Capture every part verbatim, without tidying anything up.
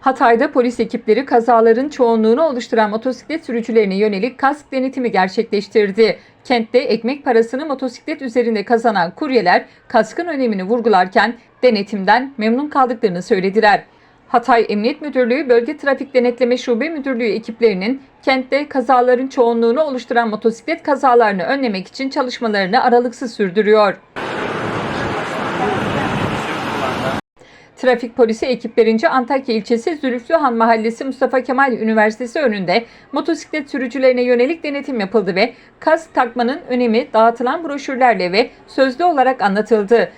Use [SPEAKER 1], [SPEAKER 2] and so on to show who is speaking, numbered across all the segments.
[SPEAKER 1] Hatay'da polis ekipleri kazaların çoğunluğunu oluşturan motosiklet sürücülerine yönelik kask denetimi gerçekleştirdi. Kentte ekmek parasını motosiklet üzerinde kazanan kuryeler kaskın önemini vurgularken denetimden memnun kaldıklarını söylediler. Hatay Emniyet Müdürlüğü Bölge Trafik Denetleme Şube Müdürlüğü ekiplerinin kentte kazaların çoğunluğunu oluşturan motosiklet kazalarını önlemek için çalışmalarını aralıksız sürdürüyor. Trafik polisi ekiplerince Antakya ilçesi Zülüflühan Mahallesi Mustafa Kemal Üniversitesi önünde motosiklet sürücülerine yönelik denetim yapıldı ve kask takmanın önemi dağıtılan broşürlerle ve sözlü olarak anlatıldı.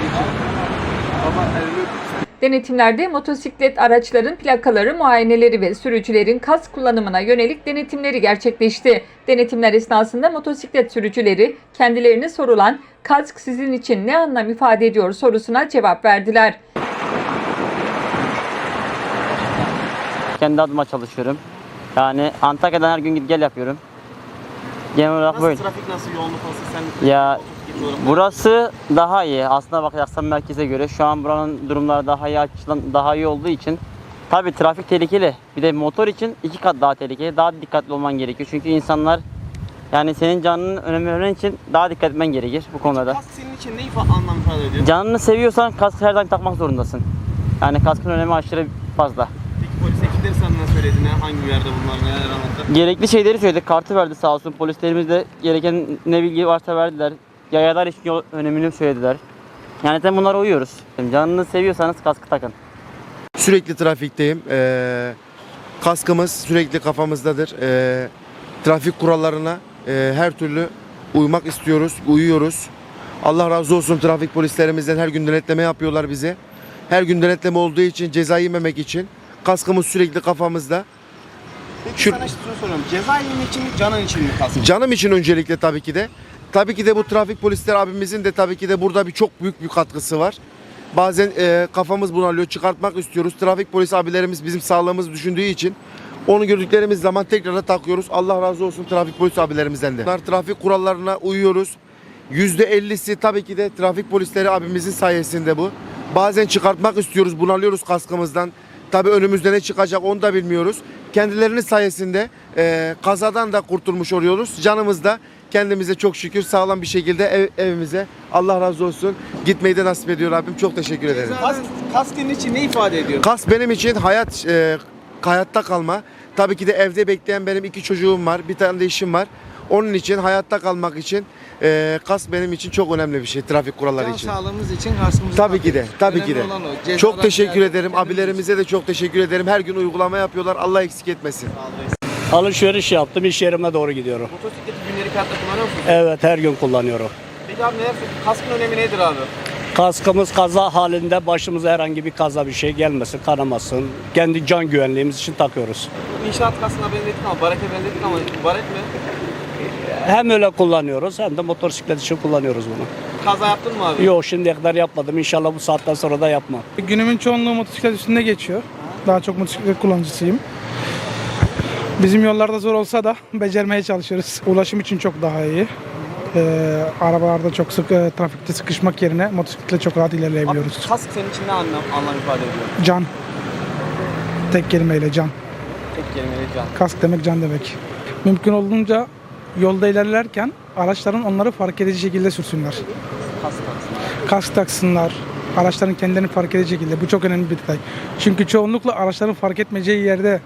[SPEAKER 1] Denetimlerde motosiklet araçların plakaları, muayeneleri ve sürücülerin kask kullanımına yönelik denetimleri gerçekleşti. Denetimler esnasında motosiklet sürücüleri kendilerine sorulan "Kask sizin için ne anlam ifade ediyor?" sorusuna cevap verdiler.
[SPEAKER 2] Kendi adıma çalışıyorum. Yani Antakya'dan her gün git gel yapıyorum. Genel olarak
[SPEAKER 3] nasıl
[SPEAKER 2] böyle.
[SPEAKER 3] Trafik nasıl, yoğunluk nasıl? Sen
[SPEAKER 2] Ya burası daha iyi. Aslına bakarsan merkeze göre şu an buranın durumları daha iyi, açıdan daha iyi olduğu için tabii trafik tehlikeli. Bir de motor için iki kat daha tehlikeli. Daha dikkatli olman gerekiyor. Çünkü insanlar, yani senin canının önemi öğren için daha dikkat etmen gerekir bu konuda.
[SPEAKER 3] Kask senin için ne ifa- anlam ifade ediyor?
[SPEAKER 2] Canını seviyorsan kask her zaman takmak zorundasın. Yani kaskın önemi aşırı fazla.
[SPEAKER 3] Peki polis ekipleri sana ne söyledi? Ne, hangi uyarıda bunlar, neler anlattı?
[SPEAKER 2] Gerekli şeyleri söyledik. Kartı verdi sağ olsun. Polislerimiz de gereken ne bilgi varsa verdiler. Yayalar için yol önemini söylediler. Yani sen bunlara uyuyoruz. Canını seviyorsanız kaskı takın.
[SPEAKER 4] Sürekli trafikteyim. Ee, kaskımız sürekli kafamızdadır. Ee, trafik kurallarına e, her türlü uymak istiyoruz, uyuyoruz. Allah razı olsun trafik polislerimizden, her gün denetleme yapıyorlar bize. Her gün denetleme olduğu için, ceza yememek için kaskımız sürekli kafamızda.
[SPEAKER 3] Peki
[SPEAKER 4] Şu-
[SPEAKER 3] sana şunu soruyorum. Ceza yemek için mi, canın için mi kask?
[SPEAKER 4] Canım için öncelikle tabii ki de. Tabii ki de bu trafik polisler abimizin de tabii ki de burada bir çok büyük bir katkısı var. Bazen e, kafamız bunalıyor, çıkartmak istiyoruz. Trafik polis abilerimiz bizim sağlığımızı düşündüğü için onu gördüklerimiz zaman tekrar da takıyoruz. Allah razı olsun trafik polis abilerimizden de. Bunlar trafik kurallarına uyuyoruz. yüzde ellisi tabii ki de trafik polisleri abimizin sayesinde bu. Bazen çıkartmak istiyoruz, bunalıyoruz kaskımızdan. Tabii önümüzde ne çıkacak onu da bilmiyoruz. Kendilerinin sayesinde e, kazadan da kurtulmuş oluyoruz. Canımız da kendimize çok şükür sağlam bir şekilde ev, evimize, Allah razı olsun, gitmeyi de nasip ediyor Rabbim. Çok teşekkür ederim.
[SPEAKER 3] Kask, kask senin için ne ifade ediyor?
[SPEAKER 4] Kask benim için hayat, e, hayatta kalma. Tabii ki de evde bekleyen benim iki çocuğum var, bir tane de işim var. Onun için, hayatta kalmak için e, kask benim için çok önemli bir şey, trafik kuralları
[SPEAKER 3] Can
[SPEAKER 4] için.
[SPEAKER 3] sağlığımız için kaskımızı
[SPEAKER 4] Tabii ki de,
[SPEAKER 3] takıyoruz.
[SPEAKER 4] tabii ki de.
[SPEAKER 3] Önemli olan o. Cezadan
[SPEAKER 4] Çok teşekkür
[SPEAKER 3] ziyade
[SPEAKER 4] ederim.
[SPEAKER 3] kendimiz-
[SPEAKER 4] Abilerimize de çok teşekkür ederim. Her gün uygulama yapıyorlar. Allah eksik etmesin.
[SPEAKER 5] Alışveriş yaptım, iş yerime doğru gidiyorum.
[SPEAKER 3] Motosikleti günlük hayatta kullanıyor musun?
[SPEAKER 5] Evet, her gün kullanıyorum.
[SPEAKER 3] Peki abi neler söylüyorsun? Kaskın önemi nedir abi?
[SPEAKER 5] Kaskımız kaza halinde başımıza herhangi bir kaza bir şey gelmesin, kanamasın. Kendi can güvenliğimiz için takıyoruz.
[SPEAKER 3] İnşaat kaskına benzettik ama barete benzettik ama baret mi?
[SPEAKER 5] Hem öyle kullanıyoruz hem de motosiklet için kullanıyoruz bunu.
[SPEAKER 3] Kaza yaptın mı abi?
[SPEAKER 5] Yok, şimdiye kadar yapmadım. İnşallah bu saatten sonra da yapmam.
[SPEAKER 6] Günümün çoğunluğu motosiklet üstünde geçiyor. Daha çok motosiklet kullanıcısıyım. Bizim yollarda zor olsa da becermeye çalışıyoruz. Ulaşım için çok daha iyi. Ee, arabalarda çok sık e, trafikte sıkışmak yerine motosikletle çok rahat
[SPEAKER 3] Abi
[SPEAKER 6] ilerleyebiliyoruz.
[SPEAKER 3] kask senin için ne anlam, anlam ifade ediyor?
[SPEAKER 6] Can. Tek kelimeyle can.
[SPEAKER 3] Tek kelimeyle can.
[SPEAKER 6] Kask demek can demek. Mümkün olduğunca yolda ilerlerken araçların onları fark edici şekilde sürsünler.
[SPEAKER 3] Kask taksın.
[SPEAKER 6] Kask taksınlar. Araçların kendilerini fark edici şekilde. Bu çok önemli bir detay. Çünkü çoğunlukla araçların fark etmeyeceği yerde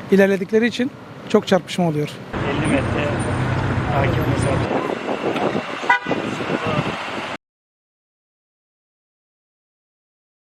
[SPEAKER 6] ilerledikleri için çok çarpışma oluyor.
[SPEAKER 7] elli metre takip mesafe.